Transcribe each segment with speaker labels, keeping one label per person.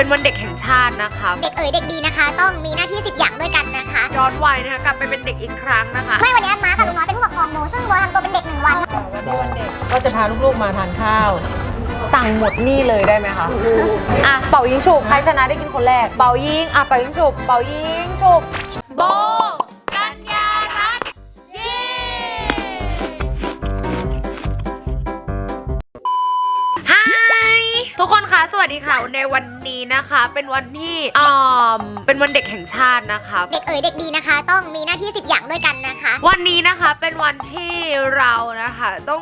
Speaker 1: เป็นวันเด็กแห่งชาตินะคะ
Speaker 2: เด็กเด็กดีนะคะต้องมีหน้าที่10อย่างด้วยกันนะคะ
Speaker 1: ย้อนวัยนะคะกลับไปเป็นเด็กอีกครั้งนะคะ
Speaker 2: ไม่วันนี้ม้ากับลุงน้อยเป็นผู้ปกครองโมซึ่งโมทำตัวเป็นเด็ก1 วัน
Speaker 3: วันเด็กก็จะพาลูกๆมาทานข้าว
Speaker 1: สั่งหมดนี่เลยได้ไหมคะอ่ะเป่ายิงฉุบใครชนะได้กินคนแรกเป่ายิงเป่ายิงฉุบเป่ายิงฉุบโบกัญญารัตน์เย้ฮายทุกคนคะสวัสดีค่ะในวันนี้นะคะเป็นวันที่เป็นวันเด็กแห่งชาตินะคะ
Speaker 2: เด็กเด็กดีนะคะต้องมีหน้าที่10อย่างด้วยกันนะคะ
Speaker 1: วันนี้นะคะเป็นวันที่เรานะคะต้อง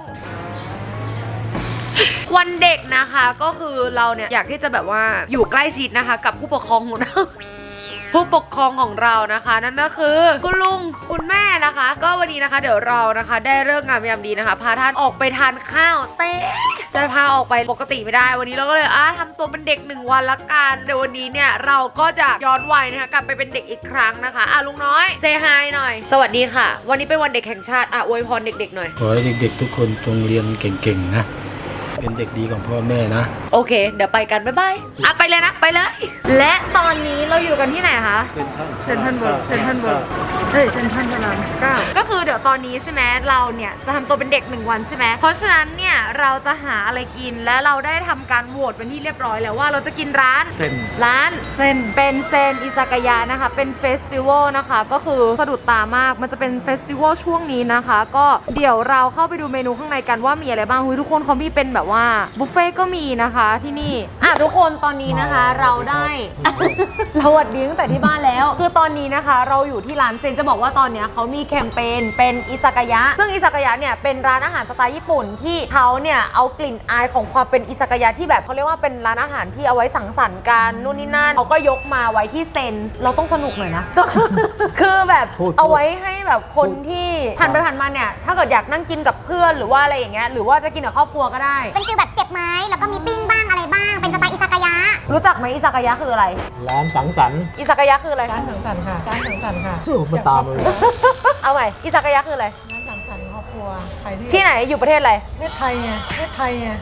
Speaker 1: วันเด็กนะคะก็คือเราเนี่ยอยากที่จะแบบว่าอยู่ใกล้ชิดนะคะกับผู้ปกครองของเราผู้ปกครองของเรานะคะนั่นก็คือคุณลุงคุณแม่นะคะก็วันนี้นะคะเดี๋ยวเรานะคะได้เลิกงามยามดีนะคะพาท่านออกไปทานข้าวเต้จะพาออกไปปกติไม่ได้วันนี้เราก็เลยทำตัวเป็นเด็ก1 วันละกันเดี๋ยววันนี้เนี่ยเราก็จะย้อนวัยนะคะกลับไปเป็นเด็กอีกครั้งนะคะลุงน้อยเซฮายหน่อยสวัสดีค่ะวันนี้เป็นวันเด็กแห่งชาติอวยพรเด็กๆหน่อย
Speaker 4: ขอให้เด็กๆทุกคนจงเรียนเก่งๆนะเป็นเด็กดีของพ่อแม่นะ
Speaker 1: โอเคเดี๋ยวไปกันบ๊ายบายไปเลยนะไปเลยและตอนนี้เราอยู่กันที่ไหนคะเซ็นทรัลเวิลด์เซ็นทรัลพระราม9ก็คือเดี๋ยวตอนนี้ใช่ไหมเราเนี่ยจะทำตัวเป็นเด็ก1 วันใช่ไหมเพราะฉะนั้นเนี่ยเราจะหาอะไรกินและเราได้ทำการโหวตเป็นที่เรียบร้อยแล้วว่าเราจะกินร้านเซนเป็นเซนอิซากายะนะคะเป็นเฟสติวัลนะคะก็คือสะดุดตามากมันจะเป็นเฟสติวัลช่วงนี้นะคะก็เดี๋ยวเราเข้าไปดูเมนูข้างในกันว่ามีอะไรบ้างทุกคนเขามีเป็นแบบว่าบุฟเฟ่ก็มีนะคะที่นี่ทุกคนตอนนี้นะคะเราได้ เราวัดดีตั้งแต่ที่บ้านแล้วคือตอนนี้นะคะเราอยู่ที่ร้านเซนจะบอกว่าตอนนี้เขามีแคมเปญเป็นอิซากายะซึ่งอิซากายะเนี่ยเป็นร้านอาหารสไตล์ญี่ปุ่นที่เขาเนี่ยเอากลิ่นอายของความเป็นอิซากายะที่แบบเขาเรียกว่าเป็นร้านอาหารที่เอาไว้สังสรรค์กันนู่นนี่นั่นเขาก็ยกมาไว้ที่เซนเราต้องสนุกหน่อยนะ คือแบบเอาไว้ให้แบบคนที่ผ่านไปผ่านมาเนี่ยถ้าเกิดอยากนั่งกินกับเพื่อนหรือว่าอะไรอย่างเงี้ยหรือว่าจะกินกับครอบครัวก็ได้
Speaker 2: เป็นฟีลแบบเสียบไม้แล้วก็มีปิ้งบ้างอะไรบ้างเป็นสไตล์อิซากายะ
Speaker 1: รู้จักไหมอิซากายะคืออะไร
Speaker 4: ร้านสังสรรค์
Speaker 1: อิซากายะคืออะไร
Speaker 3: ร้านสังสรรค์ค่ะร้านสังสรรค์ค่ะ
Speaker 4: มาตามเลย
Speaker 1: เอาใหม่อิซากายะคืออะไร
Speaker 3: ร้านสังสรรค์ครอบครัวใคร
Speaker 1: ที่ไหนอยู่ประเทศอะไร
Speaker 3: ประเทศไทยไงประเทศไทยไง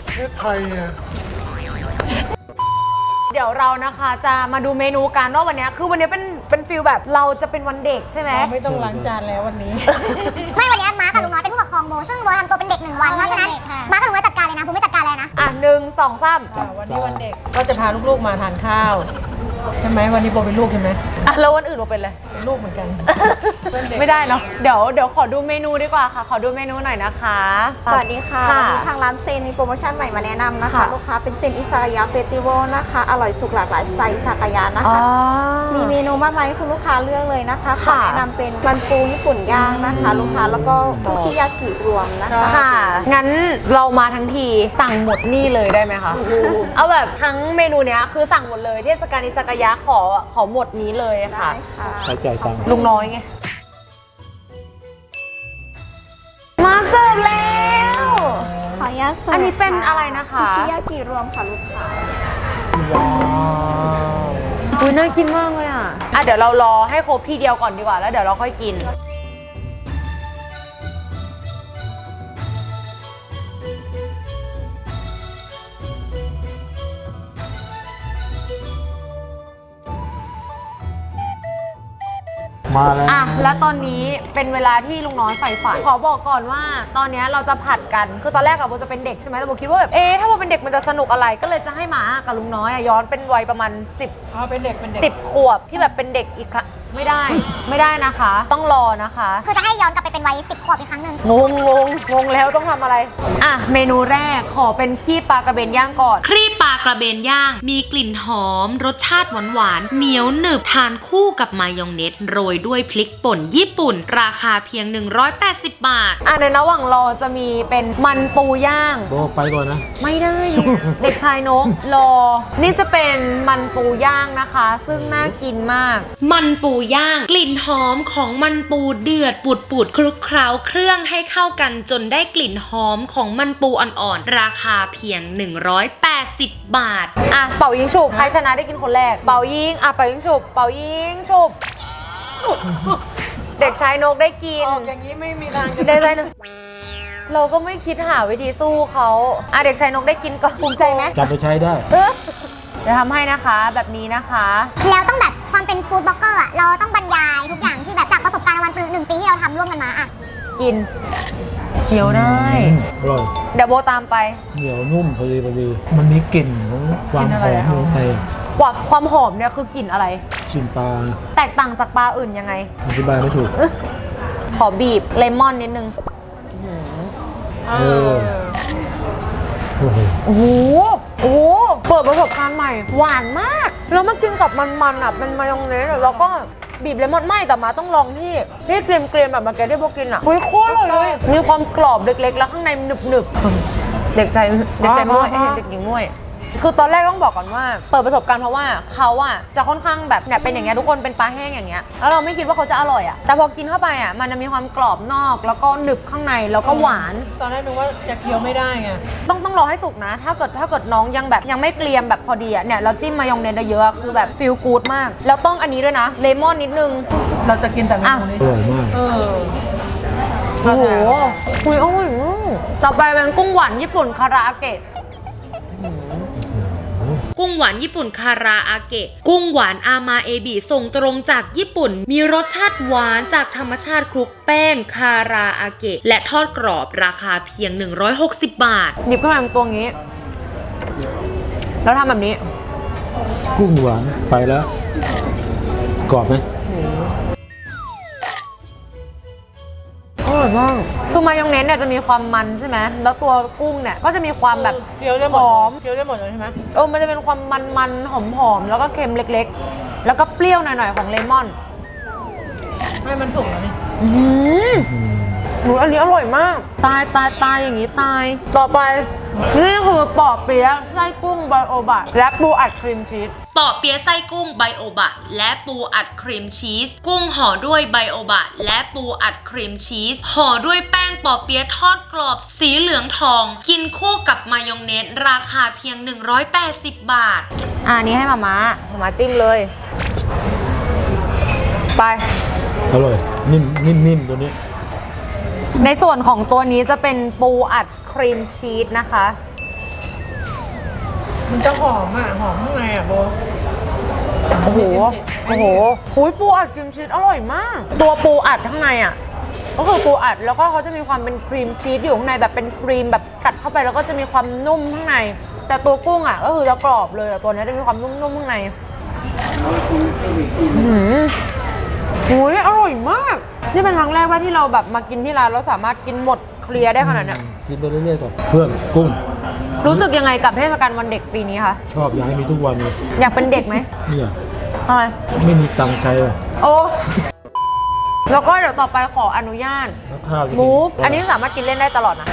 Speaker 1: เดี๋ยวเรานะคะจะมาดูเมนูกันว่าวันนี้คือวันนี้เป็นฟิลแบบเราจะเป็นวันเด็กใช่ไหม
Speaker 3: ไม่ต้องล้างจานแล้ววันนี้
Speaker 2: ไม่วันนี้ม้ากับลุงน้อยเป็นผู้ปกครองโมซึ่งโมทำตัวเป็นเด็ก1 วันเพราะฉะนั้นม้ากับลุงน้อยจัดการเลยนะผมไม่จัดการเลยนะ
Speaker 1: 1 2 3
Speaker 3: วันนี้วันเด็กก็จะพาลูกๆมาทานข้าวใช่ไหมวันนี้โบเป็นลูกใช่ไหม
Speaker 1: แล้ววันอื่นโบเป็นอะไร
Speaker 3: เป็นลูกเหมือนกัน
Speaker 1: ไม่ได้เนาะเดี๋ยวขอดูเมนูดีกว่าค่ะขอดูเมนูหน่อยนะคะ
Speaker 5: สวัสดีค่ะวันนี้ทางร้านเซนมีโปรโมชั่นใหม่มาแนะนำนะคะลูกค้าเป็นเซนอิซากายะเฟสติวัลนะคะอร่อยสุกหลากหลายสไตล์อิซากายะนะคะมีเมนูมากมายให้คุณลูกค้าเลือกเลยนะคะขอแนะนำเป็นมันปูญี่ปุ่นย่างนะคะลูกค้าแล้วก็คุชิยากิรวมนะคะ
Speaker 1: ค่ะงั้นเรามาทั้งทีสั่งหมดนี่เลยได้ไหมคะเอาแบบทั้งเมนูเนี้ยคือสั่งหมดเลยเทศกาลอิซากายะขอหมดนี้เลยค่ะ
Speaker 4: ใช้ใจตัง
Speaker 1: ลุงน้อยไงมาเสิร์ฟแล้ว
Speaker 5: ขออนุญาตเสิร์ฟ
Speaker 1: อันนี้เป็นอะไรนะคะ
Speaker 5: คุชิยากิรวมค่ะลูกค้า
Speaker 1: ว้าวน่ากินมากเลยเดี๋ยวเรารอให้ครบทีเดียวก่อนดีกว่าแล้วเดี๋ยวเราค่อยกิน
Speaker 4: มาแล้ว
Speaker 1: แล้วตอนนี้เป็นเวลาที่ลุงน้อยใฝ่ฝันขอบอกก่อนว่าตอนนี้เราจะผัดกันคือตอนแรกโบจะเป็นเด็กใช่ไหมแต่โบคิดว่าแบบถ้าโบเป็นเด็กมันจะสนุกอะไรก็เลยจะให้หมากับลุงน้อยย้อนเป็นวัยประมาณ
Speaker 3: เป็นเด็ก
Speaker 1: 10 ขวบที่แบบเป็นเด็กอีกครั้งไม่ได้นะคะต้องรอนะคะ
Speaker 2: คือจะให้ย้อนกลับไปเป็นวัย10 ขวบอีกครั้งหนึ่ง
Speaker 1: งงแล้วต้องทำอะไรเมนูแรกขอเป็นขี้ปลากระเบนย่างก่อน
Speaker 6: ครีบปลากระเบนย่างมีกลิ่นหอมรสชาติหวานเหนียวหนึบทานคู่กับมายองเนสโรยด้วยพริกป่นญี่ปุ่นราคาเพียง180 บาท
Speaker 1: ในระหว่างรอจะมีเป็นมันปูย่าง
Speaker 4: โบไปก่อนนะ
Speaker 1: ไม่ได้เด็กชายนกรอนี่จะเป็นมันปูย่างนะคะซึ่งน่ากินมาก
Speaker 6: มันปูย่างกลิ่นหอมของมันปูเดือดปูดคลุกเคล้าเครื่องให้เข้ากันจนได้กลิ่นหอมของมันปูอ่อนๆราคาเพียง180 บาท
Speaker 1: เป่ายิงฉุบใครชนะได้กินคนแรกเป่ายิงเป่ายิงฉุบเป่ายิงฉุบเด็กชายนกได้กิน
Speaker 3: อย่างนี้ไม่มีทาง
Speaker 1: ได้ใจหนึ่งเราก็ไม่คิดหาวิธีสู้เขาเด็กชายนกได้กินก็ภูมิใจไหม
Speaker 4: จับไปใช้ได้
Speaker 1: จะทำให้นะคะแบบนี้นะคะ
Speaker 2: แล้วต้องแบบความเป็นฟู้ดบล็อกเกอร์อะเราต้องบรรยายทุกอย่างที่แบบจากประสบการณ์วันหนึ่งปีที่เราทำร่วมกันมาอะ
Speaker 1: กินเคี้ยวได้
Speaker 7: อร่อย
Speaker 1: เดี๋ยวโบตามไป
Speaker 7: เหนียวนุ่มพอดีมันมีกลิ่นของความหอมลงไป
Speaker 1: ความหอมเนี่ยคือกลิ่นอะไร
Speaker 7: กลิ่นปลา
Speaker 1: แตกต่างจากปลาอื่นยังไง
Speaker 7: อธิบายไม่ถูก
Speaker 1: ขอบีบเลมอนนิดนึง
Speaker 7: เออโอ้โห
Speaker 1: โอ้โห โอ้โห เปิดประสบการณ์ใหม่ หวานมาก แล้วมากินกับมันๆอ่ะ เป็นมายองเนสแล้วก็บีบเลมอนไม่แต่มาต้องลองที่เกรียมๆแบบมาแกได้โบกินอ่ะอุ้ยโคตรอร่อยเลย มีความกรอบเล็กๆ แล้วข้างในหนึบๆ เด็กใจม้วยเห็นเด็กหญิงม้วย คือตอนแรกต้องบอกก่อนว่า เปิดประสบการณ์เพราะว่าเขาอ่ะจะค่อนข้างแบบเนี่ยเป็นอย่างเงี้ยทุกคนเป็นปลาแห้งอย่างเงี้ยแล้วเราไม่คิดว่าเขาจะอร่อยอ่ะแต่พอกินเข้าไปอ่ะมันจะมีความกรอบนอกแล้วก็หนึบข้างในแล้วก็หวาน
Speaker 3: ตอนแรกนึกว่าจะเคี้ยวไม่ได้ไง
Speaker 1: ต้องรอให้สุกนะ ถ้าเกิดน้องยังแบบยังไม่เกรียมแบบพอดีอ่ะเนี่ยเราจิ้มมายองเนสเยอะๆคือแบบฟีลกู๊ดมาก แล้วต้องอันนี้ด้วยนะเลมอนนิดนึง
Speaker 3: เราจะกินแต่เมนูนี้
Speaker 7: อร่อยมาก
Speaker 1: โอ้โหคุยอร่อยมากต่อไปเป็นกุ้งหวานญี่ปุ่นคาราอาเกะ
Speaker 6: กุ้งหวานญี่ปุ่นคาราอาเกะ กุ้งหวานอามาเอบิส่งตรงจากญี่ปุ่น มีรสชาติหวานจากธรรมชาติคลุกแป้งคาราอาเกะ และทอดกรอบราคาเพียง 160 บาท
Speaker 1: หยิบขึ้นมาเป็นตัวงี้ แล้วทำแบบนี้
Speaker 7: กุ้งหวานไปแล้ว กรอบไหม
Speaker 1: อร่อยมากคือมายองเนสเนี่ยจะมีความมันใช่ไหมแล้วตัวกุ้งเนี่ยก็จะมีความแบบ
Speaker 3: เคี้ยวได้หม
Speaker 1: ห
Speaker 3: ด
Speaker 1: อม
Speaker 3: เคี้ยวได้หมดเลยใช่ไหม
Speaker 1: มันจะเป็นความมันๆหอมๆแล้วก็เค็มเล็กๆ แล้วก็เปรี้ยวหน่อยๆของเลมอน
Speaker 3: ไม่มันสุกแล้วนี่
Speaker 1: อันนี้อร่อยมาก ตายอย่างนี้ตาย ต่อไป นี่คือปอเปี๊ยะไส้กุ้งไบโอบะและปูอัดครีมชีส
Speaker 6: ปอเปี๊ยะไส้กุ้งไบโอบะและปูอัดครีมชีส กุ้งห่อด้วยไบโอบะและปูอัดครีมชีส ห่อด้วยแป้งปอเปี๊ยะทอดกรอบสีเหลืองทอง กินคู่กับมายองเนสราคาเพียง 180 บาท
Speaker 1: อันนี้ให้มาม่าจิ้มเลย ไป
Speaker 7: อร่อย นิ่มตัวนี้
Speaker 1: ในส่วนของตัวนี้จะเป็นปูอัดครีมชีสนะคะ
Speaker 3: มันจะหอมอ่ะ หอมข้างในอ่ะโบ
Speaker 1: โอ้โหหุยปูอัดครีมชีสอร่อยมาก ตัวปูอัดข้างในอ่ะ ก็คือปูอัดแล้วก็เขาจะมีความเป็นครีมชีสอยู่ข้างในแบบเป็นครีมแบบกัดเข้าไปแล้วก็จะมีความนุ่มข้างใน แต่ตัวกุ้งอ่ะก็คือจะกรอบเลยแต่ตัวนี้จะมีความนุ่มๆข้างในหุยอร่อยมาก นี่เป็นครั้งแรกว่าที่เราแบบมากินที่ร้านเราสามารถกินหมดเคลียร์ได้ขนาดเนี้ย
Speaker 7: กินไปเรื่อยๆก่อนเพื่อนกุ้ง
Speaker 1: รู้สึกยังไงกับเทศกาลวันเด็กปีนี้คะ
Speaker 7: ชอบอยากให้มีทุกวันเลย
Speaker 1: อยากเป็นเด็กไหม
Speaker 7: เนี่ย
Speaker 1: ทำไม
Speaker 7: ไม่มีตังค์ใช้เลย
Speaker 1: โอ้แล้วก็เดี๋ยวต่อไปขออนุญาต
Speaker 7: แล้วข้าวจะกิน
Speaker 1: move อันนี้สามารถกินเล่นได้ตลอดนะ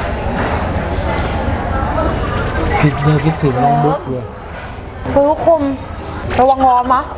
Speaker 7: คิดถึงน้องบุ๊กเลย
Speaker 1: คือคุมระวังร้อนมะ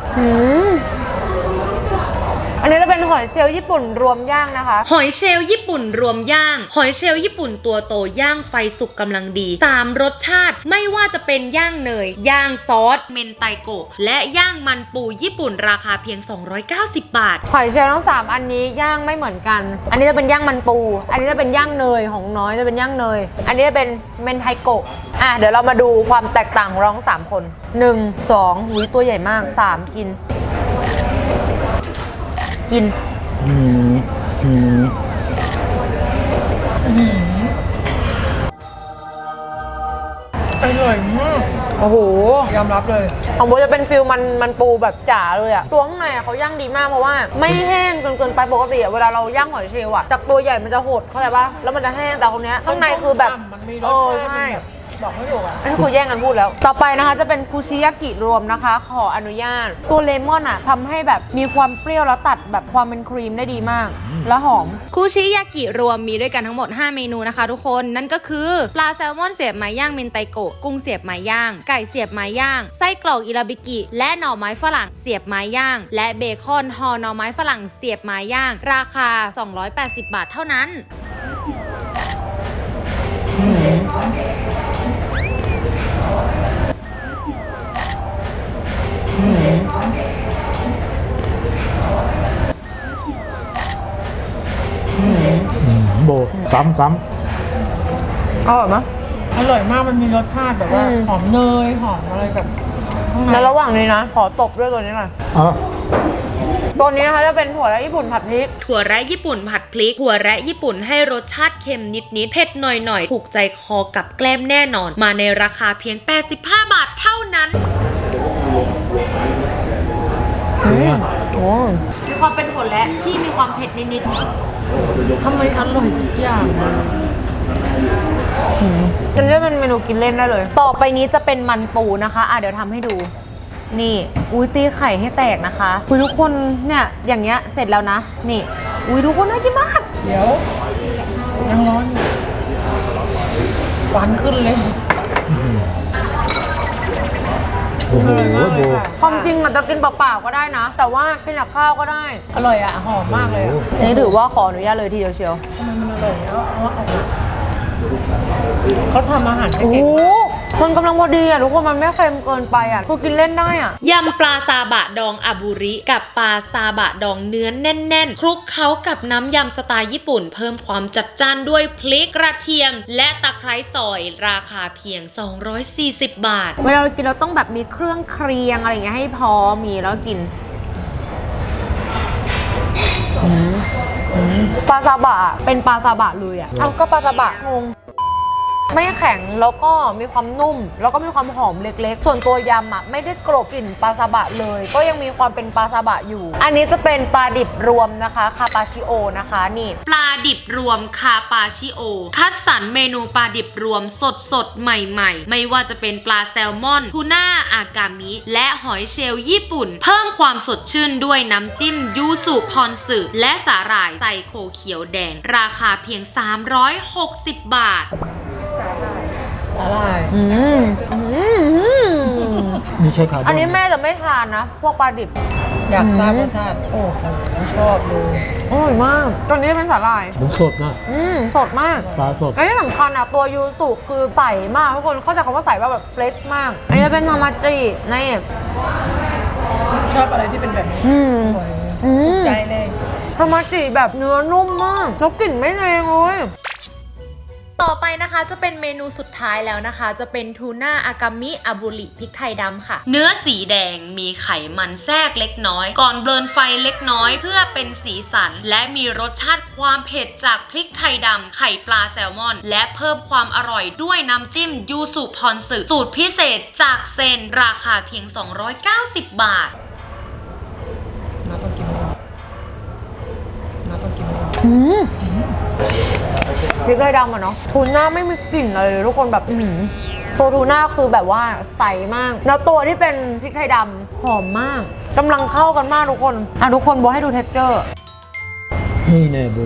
Speaker 1: อันนี้จะเป็นหอยเชลล์ญี่ปุ่นรวมย่างนะคะ
Speaker 6: หอยเชลล์ญี่ปุ่นรวมย่าง หอยเชลล์ญี่ปุ่นตัวโตย่างไฟสุกกำลังดี3รสชาติไม่ว่าจะเป็นย่างเนย ย่างซอส เมนไตโกะ และย่างมันปูญี่ปุ่นราคาเพียง 290 บาท
Speaker 1: หอยเชลล์ทั้ง3อันนี้ย่างไม่เหมือนกัน อันนี้จะเป็นย่างมันปู อันนี้จะเป็นย่างเนยของน้อยจะเป็นย่างเนย อันนี้จะเป็นเมนไทโกะเดี๋ยวเรามาดูความแตกต่างของเราทั้ง3คน1 2หูยตัวใหญ่มาก3กิน
Speaker 3: อร่อยมาก
Speaker 1: โอ้โห
Speaker 3: ยอมรับเลย
Speaker 1: ของโบจะเป็นฟิลมันปูแบบจ๋าเลยอะตัวข้างในอะเขาย่างดีมากเพราะว่าไม่แห้งจนเกินไปปกติอะเวลาเราย่างหอยเชลล์อะจากตัวใหญ่มันจะหดเข้าใจปะแล้วมันจะแห้งแต่คนเนี้ยข้างในคือแบบ
Speaker 3: มันมีรสชาติ
Speaker 1: ใช่
Speaker 3: บอกไม่ถูกอ่ะ
Speaker 1: อันนี้คือแย่งกันพูดแล้ว ต่อไปนะคะจะเป็นคุชิยากิรวมนะคะ ขออนุญาต ตัวเลมอนอะทำให้แบบมีความเปรี้ยวแล้วตัดแบบความเป็นครีมได้ดีมาก แล้วหอม
Speaker 6: คุชิยากิรวมมีด้วยกันทั้งหมด 5 เมนูนะคะทุกคน นั่นก็คือปลาแซลมอนเสียบไม้ย่างเมนไตโกะ กุ้งเสียบไม้ย่าง ไก่เสียบไม้ย่าง ไส้กรอกอิราบิกิ และหน่อไม้ฝรั่งเสียบไม้ย่าง และเบคอนห่อหน่อไม้ฝรั่งเสียบไม้ย่าง ราคา 280 บาทเท่านั้น
Speaker 7: โบซ้ำ
Speaker 1: อร่อยไหม
Speaker 3: อร่อยมาก มันมีรสชาติแบบว่า หอมเนย หอมอะไรแบบ ห
Speaker 1: แล้วระหว่างนี้นะ ขอตบด้วยตัวนี้หน่อย
Speaker 7: อ๋อ
Speaker 1: ตัวนี้นะคะจะเป็นถั่วและญี่ปุ่นผัดพริก
Speaker 6: ถั่วแระญี่ปุ่นผัดพริก ถั่วแระญี่ปุ่นให้รสชาติเค็มนิดๆ เผ็ดหน่อยๆ ถูกใจคอกับแกล้มแน่นอน มาในราคาเพียง 85 บาทเท่านั้น
Speaker 1: มีความเป็นถั่วและที่มีความเผ็ดนิด
Speaker 3: ทำไมอร่อยทุกอย่างอะ
Speaker 1: ๆจะเรียกเป็นเมนูกินเล่นได้เลย ต่อไปนี้จะเป็นมันปูนะคะเดี๋ยวทำให้ดู นี่ อุ้ยตีไข่ให้แตกนะคะอุ้ยทุกคนเนี่ยอย่างเงี้ยเสร็จแล้วนะ นี่ อุ้ยทุกคนน่ากินมาก
Speaker 3: เดี๋ยวยังร้อนอยู่ควันขึ้นเลย
Speaker 7: โอ้โหโบ
Speaker 1: ความจริงมันจะกินเปล่าๆก็ได้นะ แต่ว่ากินกับข้าวก็ได้
Speaker 3: อร่อยอ่ะ หอมมากเลยอ่ะ
Speaker 1: อันนี้ถือว่าขออนุญาตเลยทีเดียวเชียว
Speaker 3: ทำไมมันอร่อยแล้วเขาทำอาหารได้
Speaker 1: โอ้โห
Speaker 3: เก่งมาก
Speaker 1: มันกำลังพอดีอ่ะทุกคนมันไม่เค็มเกินไปอ่ะคือกินเล่นได้อ่ะ
Speaker 6: ยำปลาซาบะดองอาบุริกับปลาซาบะดองเนื้อแน่นๆ คลุกเคล้ากับน้ำยำสไตล์ญี่ปุ่น เพิ่มความจัดจ้านด้วยพริกกระเทียม และตะไคร้ซอยราคาเพียง 240 บาท
Speaker 1: เวลาเรากินเราต้องแบบมีเครื่องเคียงอะไรอย่างเงี้ยให้พอมีแล้วกินปลาซาบะเป็นปลาซาบะเลยอ่ะเอาก็ปลาซาบะงงไม่แข็งแล้วก็มีความนุ่ม แล้วก็มีความหอมเล็กๆ ส่วนตัวยำอ่ะไม่ได้กลบกลิ่นปลาซาบะเลย ก็ยังมีความเป็นปลาซาบะอยู่ อันนี้จะเป็นปลาดิบรวมนะคะคาปาชิโอนะคะนี่
Speaker 6: ปลาดิบรวมคาปาชิโอ คัดสรรเมนูปลาดิบรวมสดๆ ใหม่ๆ ไม่ว่าจะเป็นปลาแซลมอน ทูน่า อากามิ และหอยเชลล์ญี่ปุ่น เพิ่มความสดชื่นด้วยน้ำจิ้มยูสุพรสึและสาหร่ายไซโคเขียวแดง ราคาเพียง 360 บาท
Speaker 3: อร่อย
Speaker 7: นี่ใช่ครับ
Speaker 1: อันนี้แม่จะไม่ทานนะ พวกปลาดิบ
Speaker 3: อยากทราบรสชาติ โอ้โหชอบเลย
Speaker 1: อร่อยมากตอนนี้เป็นสาหร่าย
Speaker 7: มันสดนะ
Speaker 1: สดมาก
Speaker 7: ปลาสด
Speaker 1: และที่สำคัญอ่ะตัวยูสุคือใสมากทุกคนเข้าใจคำว่าใสว่าแบบเฟรชมาก อันนี้เป็นมามาจินี่
Speaker 3: ชอบอะไรที่เป็นแบบนี้ อร่อยใจเลย
Speaker 1: ทามาจิแบบเนื้อนุ่มมากแล้วกลิ่นไม่แรงเลย
Speaker 6: ต่อไปนะคะจะเป็นเมนูสุดท้ายแล้วนะคะ จะเป็นทูน่าอากามิอาบุริพริกไทยดำค่ะ เนื้อสีแดงมีไขมันแทรกเล็กน้อย ก่อนเบิร์นไฟเล็กน้อยเพื่อเป็นสีสัน และมีรสชาติความเผ็ดจากพริกไทยดำไข่ปลาแซลมอน และเพิ่มความอร่อยด้วยน้ำจิ้มยูสุพรสึสูตรพิเศษจากเซนราคาเพียง 290 บาท
Speaker 3: มาต้องกินก่อนมาต้องกินก่อน
Speaker 1: พริกไทยดำอะเนาะทูน่าไม่มีกลิ่นเลยทุกคนแบบตัวทูน่าคือแบบว่าใสมาก แล้วตัวที่เป็นพริกไทยดำหอมมากกำลังเข้ากันมากทุกคนทุกคนโบให้ดูเท็กเจอร์
Speaker 7: นี่แน่โบ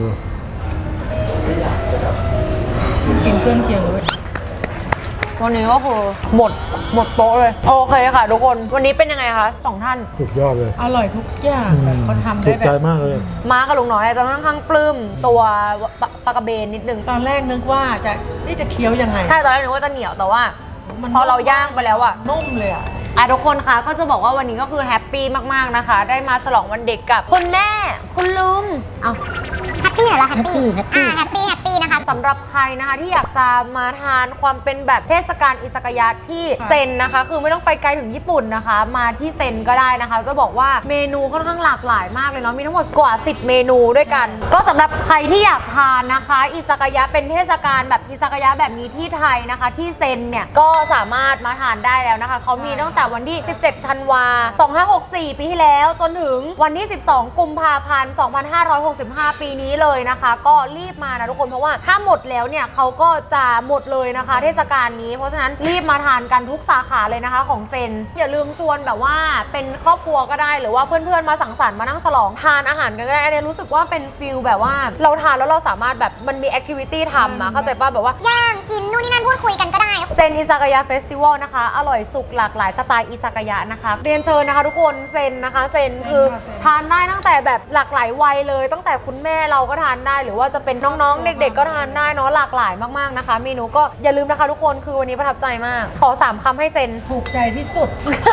Speaker 3: กินเครื่องเคียงเลย
Speaker 1: วันนี้ก็คือหมดโต๊ะเลย โอเคค่ะทุกคนวันนี้เป็นยังไงคะสองท่าน
Speaker 7: สุดยอดเลย
Speaker 3: อร่อยทุกอย่างแบบเขาทำ
Speaker 7: ถู
Speaker 3: ได้
Speaker 7: ก
Speaker 3: แบ
Speaker 7: ใจ
Speaker 3: บ
Speaker 7: มากเลย
Speaker 1: ม้ากับลุงน้อยจะค่อนข้างปลื้มตัวปลากระเบนนิดนึง
Speaker 3: ตอนแรกนึกว่าจะเคี้ยวยังไง
Speaker 1: ใช่ตอนแรกนึกว่าจะเหนียวแต่ว่าพอเราย่างไปแล้วอะ
Speaker 3: นุ่มเลยอ่ะ
Speaker 1: ทุกคนคะก็จะบอกว่าวันนี้ก็คือแฮปปี้มากๆนะคะ ได้มาฉลองวันเด็กกับคุณแม่คุณลุงเอา
Speaker 2: แฮปปี้เหรอแฮปปี้แฮปปี้นะคะ
Speaker 1: สำหรับใครนะคะที่อยากจะมาทานความเป็นแบบเทศกาลอิซากายะที่เซนนะคะ คือไม่ต้องไปไกลถึงญี่ปุ่นนะคะ มาที่เซนก็ได้นะคะจะบอกว่าเมนูค่อนข้างหลากหลายมากเลยเนาะมีทั้งหมดกว่า10เมนูด้วยกัน ก็สำหรับใครที่อยากทานนะคะอิซากายะเป็นเทศกาลแบบอิซากายะแบบนี้ที่ไทยนะคะ ที่เซนเนี่ยก็สามารถมาทานได้แล้วนะคะเขามีตั้งแต่วันที่17 ธันวา2564 ปีที่แล้วจนถึงวันที่ 12 กุมภาพันธ์ 2565 ปีนี้เลยนะคะ ก็รีบมานะทุกคนเพราะว่าถ้าหมดแล้วเนี่ยเขาก็จะหมดเลยนะคะ เทศกาลนี้เพราะฉะนั้นรีบมาทานกันทุกสาขาเลยนะคะของเซนอย่าลืมชวนแบบว่าเป็นครอบครัวก็ได้หรือว่าเพื่อนๆมาสังสรรค์มานั่งฉลองทานอาหารกันก็ได้อันนี้รู้สึกว่าเป็นฟิลแบบว่าเราทานแล้วเราสามารถแบบมันมีแอคทิวิตี้ทำอะเข้าใจป่ะแบบว่า
Speaker 2: ย่างกินนู่นนี่นั่นพูดคุยกันก็ได้
Speaker 1: เซนอิซากายะเฟสติวัลนะคะอร่อยสุกหลากหลายสไตล์อิซากายะนะคะเรียนเชิญนะคะทุกคนเซนนะคะเซนคือทานได้ตั้งแต่แบบหลากหลายวัยเลยตั้งแต่คุณแม่เราก็ทานได้หรือว่าจะเป็นน้องๆเด็กๆก็ทานได้เนาะหลากหลายมากๆนะคะเมนูก็อย่าลืมนะคะทุกคนคือวันนี้ประทับใจมากขอ3คำให้เซน
Speaker 3: ถูกใจที่สุด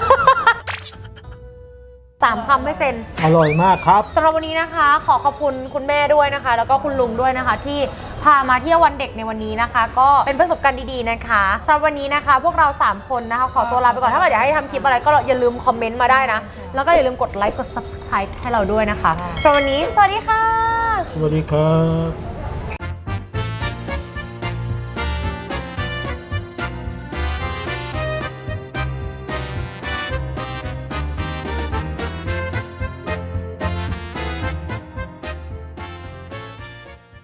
Speaker 1: 3คำให้เซน
Speaker 7: อร่อยมากครับ
Speaker 1: สำหรับวันนี้นะคะขอขอบคุณคุณแม่ด้วยนะคะ แล้วก็คุณลุงด้วยนะคะที่พามาเที่ยววันเด็กในวันนี้นะคะ ก็เป็นประสบการณ์ดีๆนะคะสำหรับวันนี้นะคะพวกเรา3คนนะคะขอตัวลาไปก่อนถ้าเกิดอยากให้ทำคลิปอะไรก็อย่าลืมคอมเมนต์มาได้นะแล้วก็อย่าลืมกดไลค์กด subscribe ให้เราด้วยนะคะสำหรับวันนี้สวัสดีค่ะ
Speaker 7: สวัสดีครับ